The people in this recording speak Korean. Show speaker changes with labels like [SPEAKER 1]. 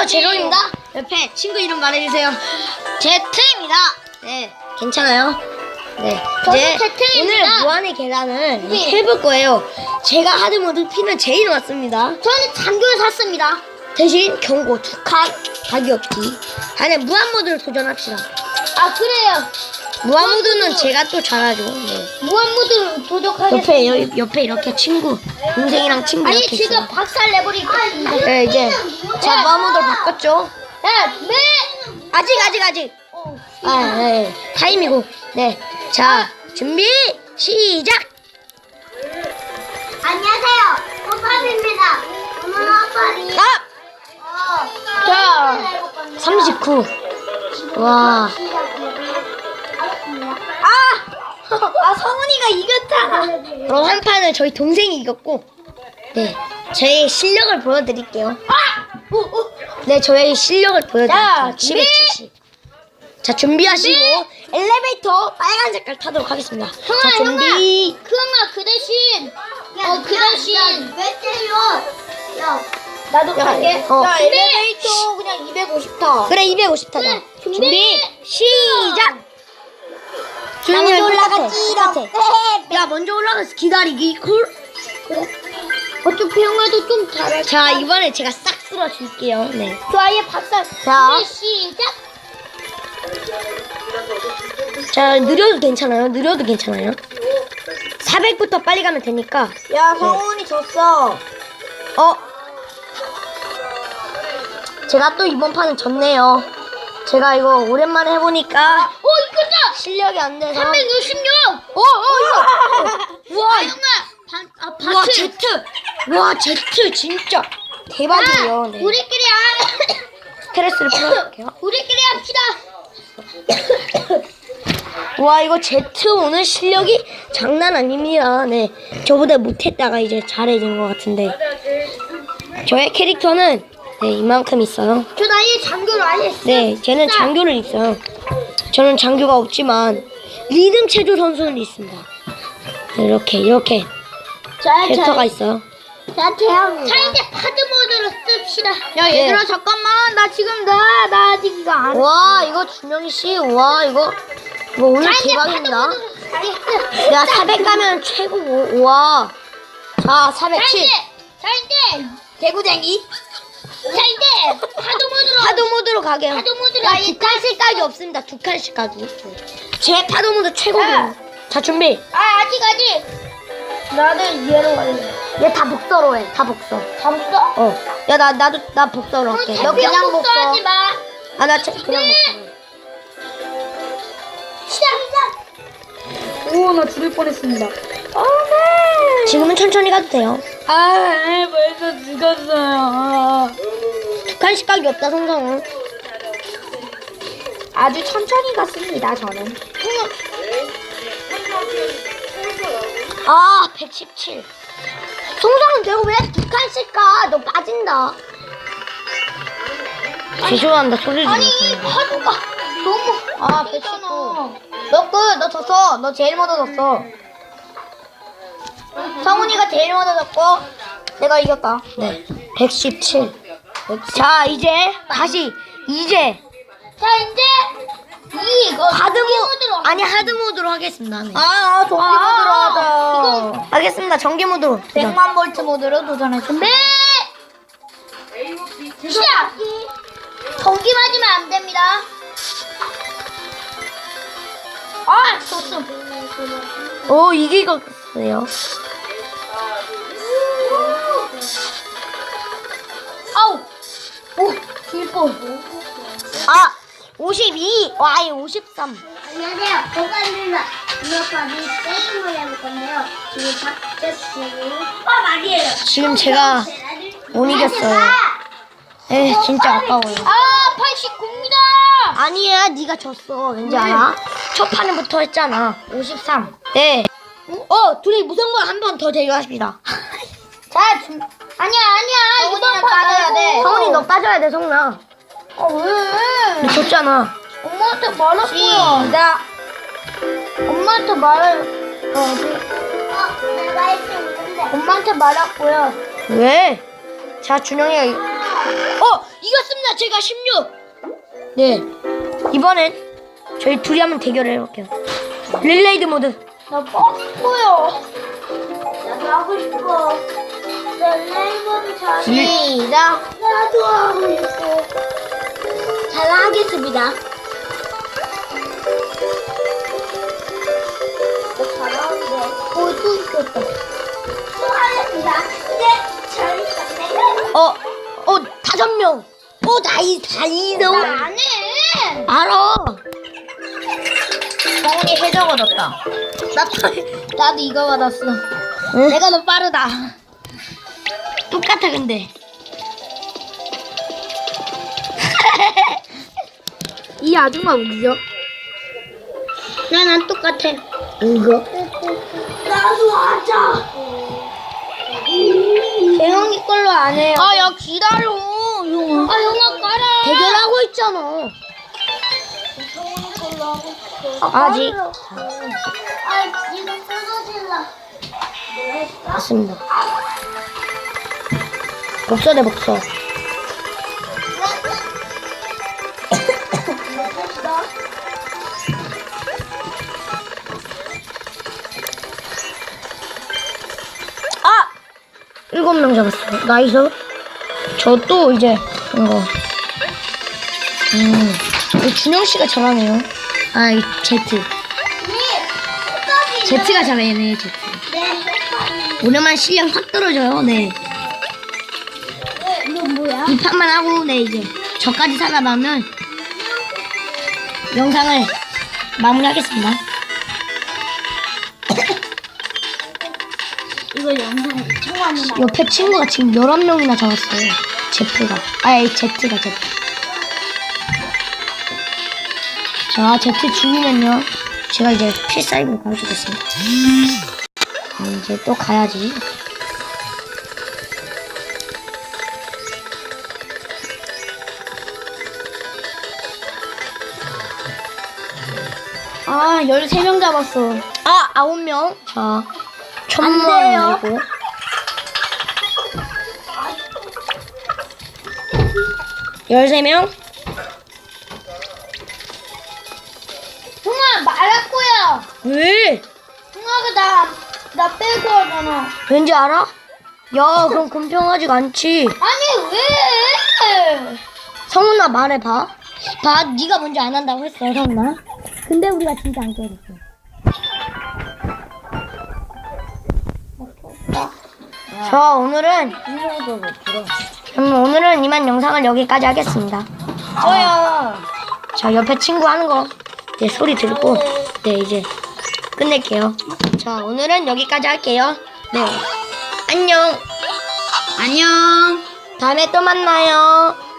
[SPEAKER 1] 안녕하세요, 제로입니다. 옆에 친구 이름 말해주세요. 제트입니다. 네, 괜찮아요. 네, 이제 오늘 무한의 계단을 해볼 거예요. 제가 하드모드 피는 제일 많습니다.
[SPEAKER 2] 저는 장교를 샀습니다.
[SPEAKER 1] 대신 경고 2칸 가격기. 안에 무한모드를 도전합시다.
[SPEAKER 2] 아 그래요.
[SPEAKER 1] 무한모드는 제가 또 잘하죠. 네.
[SPEAKER 2] 무한모드 도전하겠습니다.
[SPEAKER 1] 옆에 이렇게 친구, 동생이랑 친구
[SPEAKER 2] 아니
[SPEAKER 1] 이렇게
[SPEAKER 2] 지금
[SPEAKER 1] 있어요.
[SPEAKER 2] 박살 내버리겠습니다.
[SPEAKER 1] 네, 이제 자 무한모드를 바꿨죠.
[SPEAKER 2] 야, 네.
[SPEAKER 1] 아직. 네. 타임이고. 네. 자, 준비, 시작!
[SPEAKER 2] 안녕하세요. 호팝입니다. 오늘 호팝이.
[SPEAKER 1] 자, 39. 와.
[SPEAKER 2] 성훈이가 이겼다.
[SPEAKER 1] 그럼 한 판은 저희 동생이 이겼고, 네. 저의 실력을 보여드릴게요. 네, 저의 실력을 보여드릴게요. 770. 자, 준비하시고, 엘리베이터 빨간 색깔 타도록 하겠습니다. 자, 준비.
[SPEAKER 2] 형아 그 대신 그 대신 왜 때려? 야 나도
[SPEAKER 1] 야,
[SPEAKER 2] 갈게.
[SPEAKER 1] 어.
[SPEAKER 2] 야 엘리베이터 그냥 250 타.
[SPEAKER 1] 그래, 250 타자.
[SPEAKER 2] 네,
[SPEAKER 1] 준비, 시작!
[SPEAKER 2] 먼저
[SPEAKER 1] 야,
[SPEAKER 2] 올라가지롱.
[SPEAKER 1] 야, 먼저 올라가서 기다리기. 콜.
[SPEAKER 2] 어차피 형아도 좀 잘해.
[SPEAKER 1] 자, 이번에 제가 싹 쓸어줄게요. 네.
[SPEAKER 2] 좋아요 박살.
[SPEAKER 1] 자.
[SPEAKER 2] 준비 시작.
[SPEAKER 1] 자, 느려도 괜찮아요. 400부터 빨리 가면 되니까.
[SPEAKER 2] 야 성훈이 졌어.
[SPEAKER 1] 제가 또 이번 판은 졌네요. 제가 이거 오랜만에 해보니까
[SPEAKER 2] 이거다.
[SPEAKER 1] 실력이 안 돼서.
[SPEAKER 2] 366.
[SPEAKER 1] 이거. 우와,
[SPEAKER 2] 형아
[SPEAKER 1] 우와, 제트. 와, 제트 진짜 대박이에요. 네.
[SPEAKER 2] 우리끼리
[SPEAKER 1] 스트레스를 풀어줄게요.
[SPEAKER 2] 우리끼리 합시다.
[SPEAKER 1] 와, 이거 제트 오늘 실력이 장난 아닙니다. 네. 저보다 못했다가 이제 잘해진 것 같은데. 저의 캐릭터는 네, 이만큼 있어요.
[SPEAKER 2] 저 나이 장교를 아예 했어.
[SPEAKER 1] 네, 쟤는 장교를 있어요. 저는 장교가 없지만 리듬 체조 선수는 있습니다. 네, 이렇게 캐릭터가 있어요.
[SPEAKER 2] 자 이제 파드 모드로 씁시다. 야
[SPEAKER 1] 네.
[SPEAKER 2] 얘들아 잠깐만 나 지금 나 아직 이거 안.
[SPEAKER 1] 와, 이거 준영이 씨, 와 이거 오늘 대박입니다. 야, 400 가면 최고고. 와, 자 407.
[SPEAKER 2] 자 이제 개구쟁이. 자 이제
[SPEAKER 1] 파도 모드로 가게요.
[SPEAKER 2] 파도 모드로
[SPEAKER 1] 야, 2칸씩 가기 없습니다. 2칸씩 가기. 제 파도 모드 최고고. 자, 준비.
[SPEAKER 2] 아직. 나는 얘로 갈래.
[SPEAKER 1] 얘 다 복서로 해. 다 복서.
[SPEAKER 2] 잠수?
[SPEAKER 1] 야, 나 복서로 할게. 너 그냥 복서.
[SPEAKER 2] 하지 마.
[SPEAKER 1] 아, 나 그냥 복서.
[SPEAKER 2] 시작.
[SPEAKER 3] 오, 나 죽을 뻔했습니다.
[SPEAKER 1] 지금은 천천히 가도 돼요.
[SPEAKER 3] 벌써 죽었어요.
[SPEAKER 1] 2칸씩 가기 없다, 성성은.
[SPEAKER 3] 아주 천천히 갔습니다, 저는.
[SPEAKER 1] 아, 117. 성성은 되고 왜 2칸씩 가? 너 빠진다. 죄송합니다. 소리
[SPEAKER 2] 아니
[SPEAKER 1] 질렀습니다.
[SPEAKER 2] 파도가 너무
[SPEAKER 1] 119. 너 졌어. 너 제일 먼저 졌어.
[SPEAKER 2] 성훈이가 제일 먼저 졌고
[SPEAKER 1] 내가 이겼다. 네. 117. 자, 이제
[SPEAKER 2] 자 이제 이거 모드로
[SPEAKER 1] 아니, 하드 모드로 하겠습니다. 네.
[SPEAKER 3] 전기 모드로 하자.
[SPEAKER 1] 하겠습니다. 전기 모드로.
[SPEAKER 3] 100만 볼트 모드로 도전해.
[SPEAKER 2] 준비 시작. 전기 맞으면 안 됩니다. 졌어.
[SPEAKER 1] 오, 이기겠어요.
[SPEAKER 2] 아우 길볼.
[SPEAKER 1] 52. 와, 이 53.
[SPEAKER 2] 안녕하세요. 고관입니다. 오늘까지 게임을 해볼 건데요. 지금 박재씨고 말이에요.
[SPEAKER 1] 지금 제가 못 이겼어요. 에, 진짜 아까워요.
[SPEAKER 2] 89입니다.
[SPEAKER 1] 아니야, 네가 졌어. 왠지 알아? 첫 판부터 했잖아. 53. 네. 둘이 무승부 한 번 더 대결하십니다.
[SPEAKER 2] 자, 아니야. 이번
[SPEAKER 3] 빠져야 돼.
[SPEAKER 1] 성훈이 너 빠져야 돼, 성훈아.
[SPEAKER 2] 왜?
[SPEAKER 1] 너 졌잖아.
[SPEAKER 2] 엄마한테 말했고요.
[SPEAKER 3] 시작.
[SPEAKER 2] 엄마한테 내가 할수 있는데. 엄마한테 말했고요.
[SPEAKER 1] 왜? 자, 준영이가 이겼습니다. 제가 16. 네. 이번엔 저희 둘이 한번 대결을 해볼게요. 릴레이드 모드.
[SPEAKER 2] 나 뻗고요. 나도 하고 싶어. 나 레이먼 잘.
[SPEAKER 3] 시작.
[SPEAKER 2] 나도 하고 싶어. 잘 하겠습니다. 잘하는데. 또 이겼다. 또 하겠습니다. 네, 잘했다.
[SPEAKER 1] 5명. 다이도.
[SPEAKER 2] 나안 해.
[SPEAKER 1] 알아.
[SPEAKER 3] 성훈이 해적 얻었다.
[SPEAKER 1] 나도 이거 받았어. 내가 더 빠르다. 똑같아 근데.
[SPEAKER 3] 이 아줌마 우기죠?
[SPEAKER 1] 난 똑같아. 이거.
[SPEAKER 2] 나도 하자.
[SPEAKER 1] 대형이 걸로 안 해요.
[SPEAKER 3] 야 기다려. 용아.
[SPEAKER 2] 영아 깔아.
[SPEAKER 1] 대결하고 있잖아. 아직.
[SPEAKER 2] 이거 끊어질라.
[SPEAKER 1] 맞습니다. 복서 대 복서. 아! 7명 잡았어. 나이스. 저 또 이제 이거. 이 준영 씨가 잘하네요. 이 제트. 제트가 잘하네, 제트. 오랜만 실력 확 떨어져요. 네.
[SPEAKER 2] 이건 뭐야?
[SPEAKER 1] 이 판만 하고 네 이제 저까지 살아나면 영상을 마무리하겠습니다.
[SPEAKER 2] 이거 영상 청하는
[SPEAKER 1] 옆에 친구가 지금 11명이나 잡았어요. 제트가. 제트가. 자, 제트 죽이면요. 제가 이제 필살기를 가져주겠습니다. 이제 또 가야지.
[SPEAKER 3] 아 13명 잡았어.
[SPEAKER 1] 9명. 자,
[SPEAKER 3] 안 돼요.
[SPEAKER 1] 1000명. 13명.
[SPEAKER 2] 형아 말할 거야.
[SPEAKER 1] 왜?
[SPEAKER 2] 형아가 나 빼고 하잖아.
[SPEAKER 1] 왠지 알아? 야, 그럼 공평하지가 않지.
[SPEAKER 2] 아니 왜?
[SPEAKER 1] 성훈아 말해봐. 네가 먼저 안 한다고 했어, 성훈아. 근데 우리가 진짜 안 깨졌어. 자, 오늘은 이만 영상을 여기까지 하겠습니다.
[SPEAKER 3] 저요.
[SPEAKER 1] 자, 옆에 친구 하는 거 소리 들고 이제 끝낼게요. 자, 오늘은 여기까지 할게요. 네, 안녕.
[SPEAKER 3] 안녕.
[SPEAKER 1] 다음에 또 만나요.